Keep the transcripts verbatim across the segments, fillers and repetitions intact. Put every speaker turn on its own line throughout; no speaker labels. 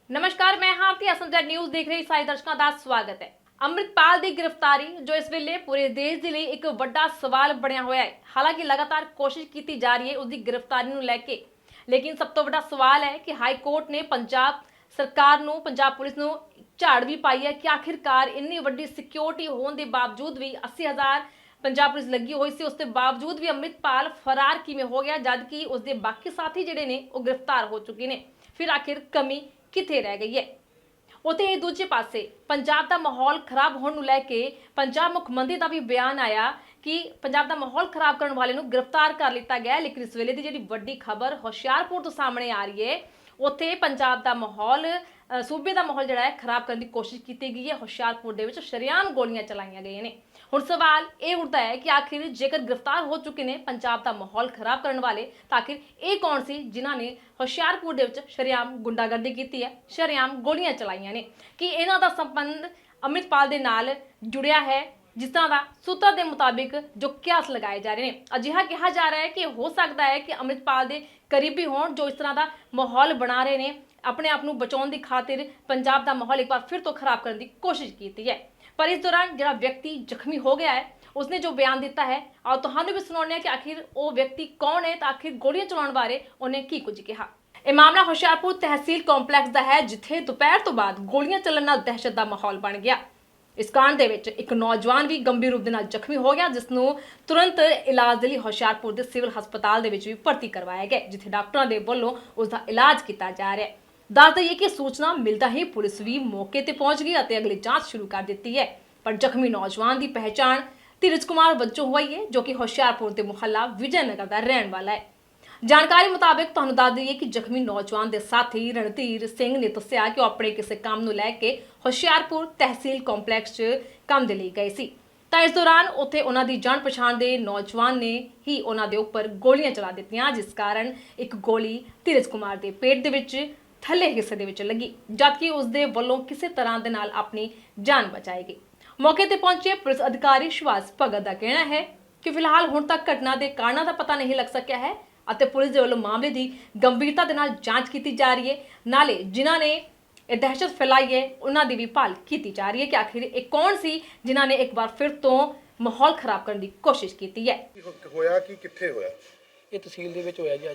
नमस्कार, मैं हारती असमझ न्यूज़ देख रहे सारे दर्शकों का स्वागत है। ਅੰਮ੍ਰਿਤਪਾਲ ਦੀ ਗ੍ਰਿਫਤਾਰੀ ਜੋ ਇਸ ਵੇਲੇ ਪੂਰੇ ਦੇਸ਼ ਦੇ ਲਈ ਇੱਕ ਵੱਡਾ ਸਵਾਲ ਬਣਿਆ ਹੋਇਆ ਹੈ। ਹਾਲਾਂਕਿ ਲਗਾਤਾਰ ਕੋਸ਼ਿਸ਼ ਕੀਤੀ ਜਾ ਰਹੀ ਹੈ ਉਸ ਦੀ ਗ੍ਰਿਫਤਾਰੀ ਨੂੰ ਲੈ ਕੇ, ਲੇਕਿਨ ਸਭ ਤੋਂ ਵੱਡਾ ਸਵਾਲ ਹੈ ਕਿ ਹਾਈ ਕੋਰਟ ਨੇ ਪੰਜਾਬ ਸਰਕਾਰ ਨੂੰ, ਪੰਜਾਬ ਪੁਲਿਸ ਨੂੰ ਝਾੜ ਵੀ ਪਾਈ ਹੈ ਕਿ ਆਖਿਰਕਾਰ ਇੰਨੀ ਵੱਡੀ ਸਿਕਿਉਰਿਟੀ ਹੋਣ ਦੇ ਬਾਵਜੂਦ ਵੀ अस्सी हज़ार पंजाब पुलिस लगी हुई सी, उसके बावजूद भी ਅੰਮ੍ਰਿਤਪਾਲ फरार किवें हो गया जबकि उसके बाकी साथी जिहड़े ने वो गिरफ्तार हो चुके हैं। फिर आखिर कमी कित्थे रह गई है? उत्ते दूजे पासे पंजाब का माहौल खराब होने लै के पंजाब मुख मंत्री का भी बयान आया कि पंजाब का माहौल खराब करने वाले नूं गिरफ्तार कर लिया गया। लेकिन इस वेले की जिहड़ी वड्डी खबर होशियारपुर तो सामने आ रही है, उत्थे पंजाब का माहौल सूबे का माहौल जिहड़ा है खराब करने की कोशिश की गई है। होशियारपुर दे विच शरेआम गोलियां चलाईयां गईयां ने। हुण सवाल ये उठता है कि आखिर जेकर गिरफ्तार हो चुके हैं पंजाब का माहौल खराब करने वाले, तो आखिर ये कौन सी जिन्हां ने होशियारपुर दे विच शरेआम गुंडागर्दी की है, शरेआम गोलियां चलाईयां ने? कि इन्हां दा संबंध अमृतपाल दे नाल जुड़िया है, जिस तरह का सूत्रों के मुताबिक जो क्यास लगाए जा रहे हैं। अजिहा कहा जा रहा है कि हो सकता है कि अमृतपाल के करीबी होण जो इस तरह का माहौल बना रहे हैं, अपने आप को बचाने की खातिर पंजाब का माहौल एक बार फिर तो खराब करने की कोशिश की है। पर इस दौरान जो व्यक्ति जख्मी हो गया है उसने जो बयान दिता है, और तुहानू भी सुनाने कि आखिर वो व्यक्ति कौन है, तो आखिर गोलियां चलाने बारे उन्हें की कुछ कहा। यह मामला होशियारपुर तहसील कॉम्पलैक्स का है, जिथे दोपहर तो बाद गोलियां चलने नाल दहशत का माहौल बन गया। इस कांड दे विच एक नौजवान भी गंभीर रूप दे नाल जख्मी हो गया, जिसनू तुरंत इलाज दे लई होशियारपुर के सिविल हस्पताल दे विच भी भर्ती करवाया गया, जिथे डॉक्टरों के वल्लों उसका इलाज किया जा रहा है। दस दईए कि सूचना मिलता ही पुलिस भी मौके पर पहुंच गई और अगली जांच शुरू कर दी है। पर जख्मी नौजवान की पहचान धीरज कुमार वजों हुई है, जो कि होशियारपुर के मुहल्ला विजयनगर का रहने वाला है। जानकारी मुताबिक तुहानू दस दईए कि जख्मी नौजवान के साथी रणधीर सिंह ने दस्सिया कि वह अपने किसी काम को लैके होशियारपुर तहसील कॉम्पलैक्स च काम दे लई गए सी, तो इस दौरान उत्थे उन्हां दी जान पछाण दे नौजवान ने ही उन्हां दे उपर गोलियां चला दित्तियां, जिस कारण एक गोली धीरज कुमार के पेट दे विच थल्ले हिस्से दे विच लगी, जबकि उसदे वल्लों किसी तरह दे नाल अपनी जान बचाई गई। मौके पर पहुंचे पुलिस अधिकारी सुभाष भगत का कहना है कि फिलहाल हुण तक घटना के कारणों का पता नहीं लग सकिया है और पुलिस के वल्लों मामले की गंभीरता के नाल जांच की जा रही है। नाले जिन्हों ने यह दहशत फैलाई है उन्होंने भी भाल की जा रही है कि आखिर एक कौन सी जिन्होंने एक बार फिर तो माहौल खराब करने की कोशिश की है।
होया कि कित्थे होया?
ये तहसील दे विच होया जी।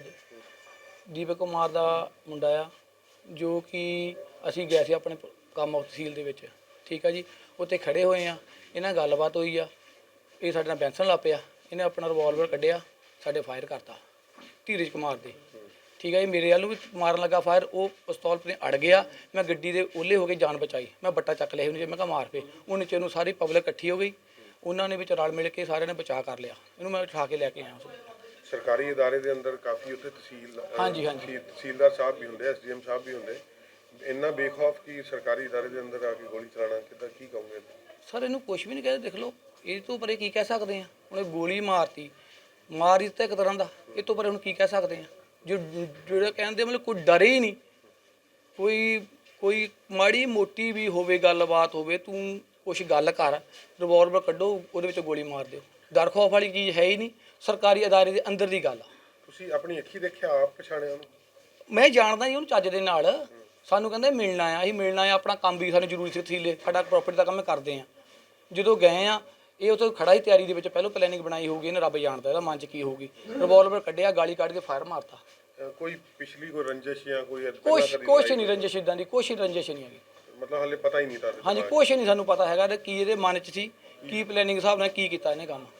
अज दीपक कुमार दा मुंडा आ, जो कि असीं गए सी अपने काम तहसील दे विच, ठीक है जी। उत्ते खड़े हुए आ, इन्हां गलबात हुई आ, ये साडे नाल बैंसन ला पिया, इन्हें अपना रिवॉल्वर कढ़िया, साडे फायर करता धीरज कुमार दे, ठीक है जी। मेरे वालों भी मारन लगा फायर, वो पिस्तौल पर अड़ गया, मैं गड्डी दे ओले हो के जान बचाई, मैं बट्टा चक लिया उन्हें, मैं कहा मार पे उन्हें चेनू सारी पब्लिक इकट्ठी हो गई, उन्होंने भी रल मिल के सारे ने बचा कर लिया, इन्हूं मैं उठा के लैके आया।
सरकारी इदारे के अंदर काफ़ी उत्थे तहसील
हाँ जी हाँ जी
तहसीलदार साहब भी होंगे, एस डी एम साहब भी होंगे, इन्ना बेखौफ कि सरकारी इदारे के अंदर आके गोली चलाना कितना की कहोगे?
सर इनू कुछ भी नहीं कहते, देख लो ये तो परे की कह सकते हैं। उन्हें गोली मारती मार ही तो एक तरह का, ये तो परे हम की कह सकते हैं? जो जो कहते मतलब कोई डरे ही नहीं, कोई कोई माड़ी मोटी भी होवे गलबात होवे, तू कुछ गल कर, रिवॉल्वर कड्डो उहदे विच गोली मार दो, डर खौफ वाली चीज़ है ही नहीं। सरकारी अदारे के अंदर की गल
तुसीं अपनी अखी देखिया, आप पछाणिया उहनूं?
मैं जानदा ही उहनूं चज दे नाल, सानू कहंदे मिलना आ, असीं मिलना आ, अपना काम भी सानू जरूरी सी थीले, साडा प्रॉपर्टी का काम करते हैं। जो गए आ ये उत्थे खड़ा ही तैयारी दे विच पहलों प्लैनिंग बनाई होगी, इन्हें रब जानता है मन च की होगी, रिवॉल्वर कढ़िया, गाली कढ़ के फायर मारता।
कोई पिछली कोई रंजिश या कोई
कुछ कुछ नहीं रंजिश, इदां दी कुछ रंजिश नहीं है,
मतलब हाले पता ही नहीं था?
हाँ जी, कुछ नहीं सानू पता हैगा कि इहदे मन च सी, की प्लैनिंग हिसाब नाल की कीता इहने काम।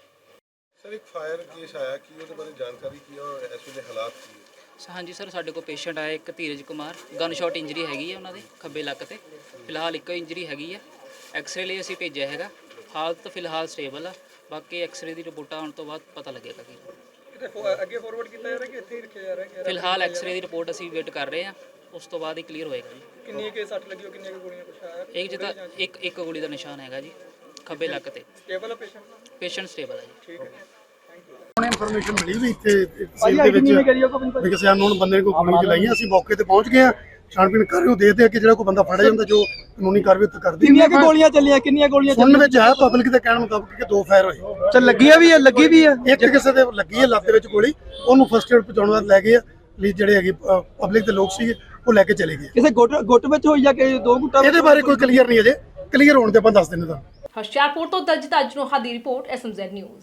सर एक फायर केस आया कि ਉਹਦੇ ਬਾਰੇ ਜਾਣਕਾਰੀ ਕੀ और ਇਸ ਵੇਲੇ ਹਾਲਾਤ ਕੀ ਹੈ?
हाँ जी सर, साढ़े को पेशेंट आया एक Dheeraj Kumar, gun shot injury हैगी है उन्होंने खब्बे लक ते, फिलहाल एक इंजरी हैगी है, एक्सरे लिए असीं भेजिया हैगा, हालत फिलहाल स्टेबल है, बाकी एक्सरे की रिपोर्ट आने तो बाद पता लगेगा कि
ਅੱਗੇ ਫਾਰਵਰਡ ਕੀਤਾ ਜਾ ਰਿਹਾ ਕਿ ਇੱਥੇ ਹੀ ਰੱਖਿਆ ਜਾ ਰਿਹਾ?
फिलहाल एक्सरे की रिपोर्ट असीं वेट कर रहे हैं, उस तो बाद ही क्लीयर होएगा जी।
ਕਿੰਨੀ ਕੇ ਸੱਟ ਲੱਗੀ ਹੋ, ਕਿੰਨੀਆਂ ਕੁ ਗੋਲੀਆਂ ਕੁਛ ਆਇਆ?
एक जिदा एक एक गोली का निशान हैगा जी खब्बे लक ते,
ਸਟੇਬਲ ਹੈ ਪੇਸ਼ੈਂਟ?
पेशेंट स्टेबल है जी।
ਠੀਕ ਹੈ।
ਉਹਨੇ ਇਨਫੋਰਮੇਸ਼ਨ ਮਿਲੀ ਵੀ ਇੱਥੇ ਤਹਿਸੀਲ ਦੇ ਵਿੱਚ ਵੀ ਕਿਸੇ ਅਨਨੋਨ ਬੰਦੇ ਨੇ ਕੋਈ ਗੋਲੀ ਚਲਾਈ ਹੈ। ਅਸੀਂ ਮੌਕੇ ਤੇ ਪਹੁੰਚ ਗਏ ਆ, ਛਾਣਬੀਣ ਕਰ ਰਹੇ ਹੋ, ਦੇਖਦੇ ਆ ਕਿ ਜਿਹੜਾ ਕੋਈ ਬੰਦਾ ਫੜਿਆ ਜਾਂਦਾ ਜੋ ਕਾਨੂੰਨੀ ਕਾਰਵਾਈ ਉੱਤੇ ਕਰਦੀ।
ਕਿੰਨੀਆਂ ਕੁ ਗੋਲੀਆਂ ਚੱਲੀਆਂ, ਕਿੰਨੀਆਂ ਗੋਲੀਆਂ
ਸੁਣਨ ਵਿੱਚ ਆਇਆ ਪਬਲਿਕ ਦੇ ਕਹਿਣ ਮੁਤਾਬਕ ਕਿ ਦੋ ਫਾਇਰ ਹੋਏ।
ਚੱਲ ਲੱਗੀਆਂ ਵੀ ਹੈ, ਲੱਗੀ ਵੀ ਹੈ,
ਇੱਕ ਕਿਸੇ ਦੇ ਲੱਗੀ ਹੈ ਲੱਤ ਦੇ ਵਿੱਚ ਗੋਲੀ, ਉਹਨੂੰ ਫਸਟ ਏਡ ਪਹੁੰਚਾਉਣ ਵਾਸਤੇ ਲੈ ਗਏ ਆ। ਲਈ ਜਿਹੜੇ ਹੈਗੇ ਪਬਲਿਕ ਦੇ ਲੋਕ ਸੀਗੇ ਉਹ ਲੈ ਕੇ ਚਲੇ ਗਏ।
ਕਿਸੇ ਗੁੱਟ ਗੁੱਟ ਵਿੱਚ ਹੋਈ ਜਾਂ ਕਿ ਦੋ ਗੁੱਟਾਂ ਵਿੱਚ?
ਇਹਦੇ ਬਾਰੇ ਕੋਈ ਕਲੀਅਰ ਨਹੀਂ ਅਜੇ, ਕਲੀਅਰ ਹੋਣ ਤੇ ਆਪਾਂ ਦੱਸ ਦਿੰਦੇ ਤੁਹਾਨੂੰ।
ਹੁਸ਼ਿਆਰਪੁਰ ਤੋਂ ਦਲਜੀਤ ਅੱਜ ਨੂੰ ਦੀ report S M Z news.